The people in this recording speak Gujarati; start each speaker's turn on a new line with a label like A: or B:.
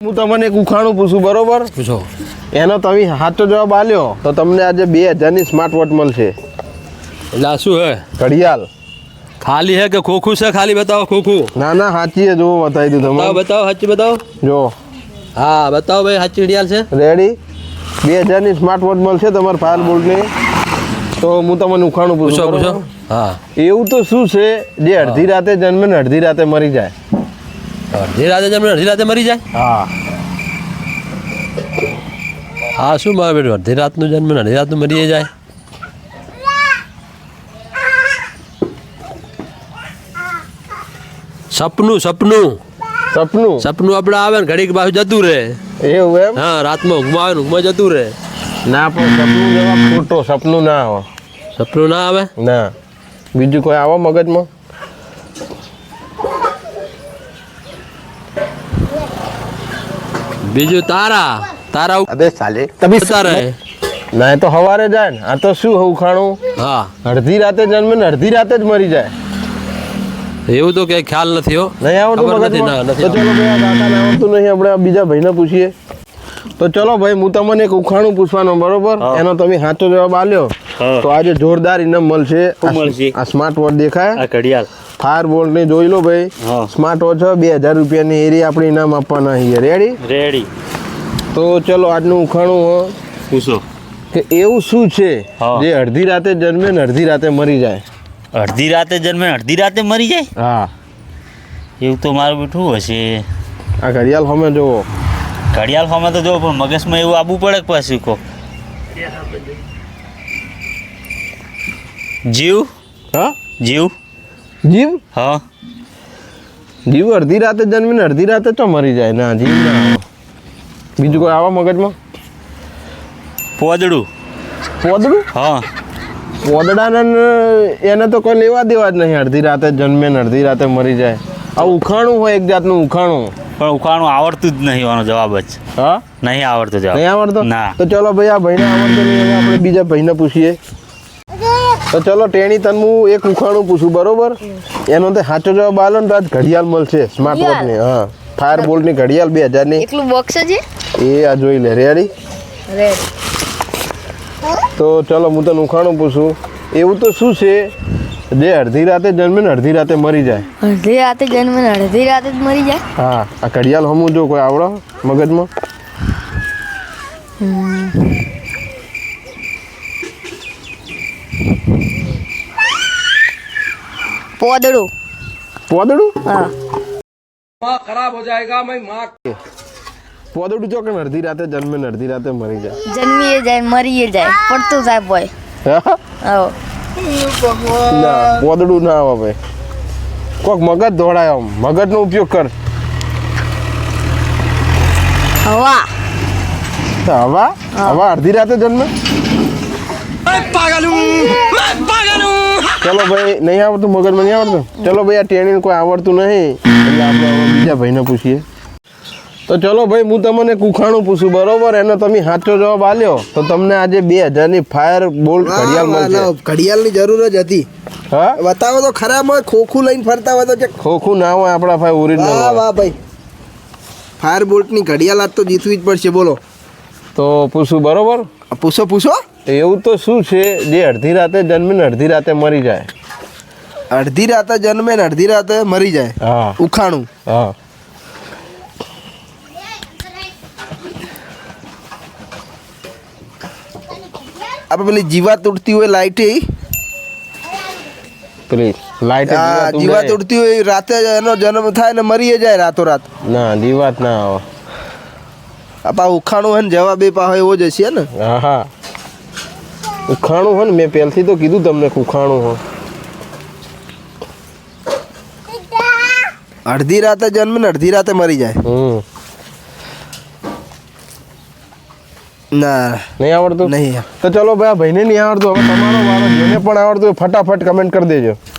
A: હું તમને એક ઉખાણું પૂછું, બરોબર?
B: પૂછો.
A: એનો તમે સાચો જવાબ આલ્યો તો તમને આજે 2000ની સ્માર્ટ વોચ મળશે.
B: એટલે આ શું હે?
A: ઘડિયાળ.
B: ખાલી હે કે ખોખું છે? ખાલી બતાવો ખોખું.
A: ના ના, સાચી છે. જોવો, બતાવી દઉં તમને.
B: બતાવો સાચી બતાવો.
A: જો
B: હા બતાવો ભાઈ, સાચી ઘડિયાળ છે.
A: રેડી? 2000ની સ્માર્ટ વોચ મળશે તમારે ફાયર બોલ્ટની. તો હું તમને ઉખાણું પૂછું.
B: પૂછો. હા.
A: એવું તો શું છે જે અડધી રાતે જન્મે ને અડધી રાતે મરી જાય?
B: અડધી રાતે જન્મે અડધી રાતે મરી જાય?
A: હા.
B: હા શું મારે બેટું, અડધી રાતનું જન્મે ને અડધી રાતનું મરી જાય? સપનું.
A: સપનું?
B: સપનું આપણે આવે ને ઘડીક બાજુ જતું રહે.
A: એવું એમ?
B: હા, રાતમાં ઊંઘમાં આવે ને ઊંઘમાં જતું રહે.
A: ના, પણ સપનું જવાબ ખોટો. સપનું ના આવે.
B: સપનું ના આવે?
A: ના. બીજું કોઈ આવો મગજમાં?
B: બીજું તારા
A: અબે સાલે તમે
B: તારે.
A: ના, એ તો સવારે જાય ને. આ તો શું ઉખાણું?
B: હા,
A: અડધી રાતે જન્મે ને અડધી રાતે જ મરી જાય.
B: એવું તો કઈ ખ્યાલ નથી હો.
A: નહીં આવડતું
B: ખબર નથી.
A: મગજમાં?
B: ના, નથી
A: તો ચલો ભાઈ, આ દાદાને આવડતું નહીં, આપણે આ બીજા ભાઈને પૂછીએ. તો ચલો ભાઈ, હું તમને એક ઉખાણું પૂછવાનું, બરોબર? એનો તમે સાચો જવાબ આલ્યો તો આજે જોરદાર ઇનામ મળશે. આ સ્માર્ટ વોચ દેખાય,
B: આ ઘડિયાળ
A: ફાયર બોલ્ટ ની જોઈ લો ભાઈ. સ્માર્ટ વોચ 2000 રૂપિયાની એરી આપણે ઇનામ આપવાના છીએ. રેડી? તો ચલો, આજનું ઉખાણું
B: પૂછો
A: કે એવું શું છે જે અડધી રાતે જન્મે ને અડધી રાતે મરી જાય?
C: અડધી રાતે જન્મે અડધી રાતે મરી જાય?
A: હા.
C: એવું તો મારું બેઠું હશે.
A: આ ઘડિયાળ સામે જોવો.
C: ઘડિયાળ સામે તો જો, પણ મગજમાં એવું આવવું પડે કે પાછું કહો. જીવ.
A: હા,
C: જીવ.
A: જીવ?
C: હા.
A: જીવ અડધી રાતે જન્મે ને અડધી રાતે તો મરી જાય. ના, જીવ ના આવે. બીજું કોઈ આવા મગજમાં?
C: પોદડું.
A: પોદડું?
C: હા.
A: પોદડાને એને તો કોઈ લેવા દેવા જ નહીં. અડધી રાતે જન્મે ને અડધી રાતે મરી જાય. આ ઉખાણું હોય, એક જાતનું ઉખાણું.
C: પણ ઉખાણું આવડતું જ નહીં, આનો જવાબ જ
A: હા,
C: નહીં આવડતો જવાબ.
A: નહીં આવડતો?
C: ના.
A: તો ચલો ભાઈ, આ ભાઈને આવડતો નહીં, હવે આપણે બીજા ભાઈને પૂછીએ. તો ચલો ટેણી, તને હું એક ઉખાણું પૂછું, બરોબર? એનો તો સાચો જવાબ આલો ને તો આજ ઘડિયાળ મળશે સ્માર્ટ વોચની. હા, ફાયર બોલ્ટની ઘડિયાળ 2000ની.
D: એકલું બોક્સ છે
A: એ આ જોઈ લે. રેડી? તો ચલો, હું તને ઉખાણું પૂછું. એવું તો શું છે જે અડધી રાતે જન્મે ને અડધી રાતે મરી જાય?
D: અડધી રાતે જન્મે ને અડધી રાતે જ મરી જાય?
A: હા, આ ઘડિયાળ હમું જો કોઈ આવડો મગજમાં?
D: પોદડું.
A: પોદડું?
D: હા.
B: ખરાબ હો જાયગા મેં માँ.
A: પોદડું જો કે અડધી રાતે જન્મે ને અડધી રાતે મરી જાય.
D: જન્મીએ જાય, મરીએ જાય, પડતું જાય બોય.
A: હા?
D: આવો.
A: ના, પોદડું ના આવે ભાઈ. કોક મગજ દોડાય, આમ મગજનો ઉપયોગ કર.
D: હવા.
A: હવા? હવા અડધી રાતે જન્મે? ચલો ભાઈ, નહીં આવડતું મગજમાં? નહીં આવડતું? ચલો ભાઈ, આ ટેણીને કોઈ આવડતું નહીં એટલે આપણે હવે બીજા ભાઈને પૂછીએ. તો ચલો ભાઈ, હું તમને એક ઉખાણું પૂછું, બરોબર? એનો તમે સાચો જવાબ આલ્યો તો તમને આજે 2000ની ફાયર બોલ્ટ ઘડિયાળ મળશે.
E: ઘડિયાળની જરૂર જ હતી.
A: હા,
E: બતાવો તો ખરાબ હોય, ખોખું લઈને ફરતા હોય તો
A: ખોખું ના હોય આપણા ભાઈ, ઓરિજિનલ.
E: વાહ વાહ ભાઈ, ફાયર બોલ્ટની ઘડિયાળ આજ તો જીતવી જ પડશે. બોલો
A: તો પૂછું, બરોબર?
E: પૂછો.
A: એવું તો શું છે જે અડધી રાતે જન્મે ને અડધી રાતે મરી જાય?
E: અડધી રાતે જન્મે ને અડધી રાતે મરી જાય?
A: હા.
E: ઉખાણું?
A: હા.
E: આપણે પેલી જીવાત ઉડતી હોય, લાઈટ
A: પેલી લાઈટ
E: જીવાત ઉડતી હોય, રાતે એનો જન્મ થાય ને મરી જાય રાતોરાત.
A: ના, જીવાત ના આવે.
E: આપા ઉખાણું હોય ને જવાબ એ પાહો એવો જ હશે ને.
A: હા હા, ઉખાણું હોય ને, મેં પહેલથી તો કીધું તમને ઉખાણું હોય.
E: અડધી રાતે જન્મે ને અડધી રાતે મરી જાય. ના,
A: નહીં આવડતું?
E: નહીં.
A: તો ચલો ભાઈ, આ ભાઈને નહીં આવડતું, હવે તમારો વારો. જેને પણ આવડતું હોય ફટાફટ કમેન્ટ કરી દેજો.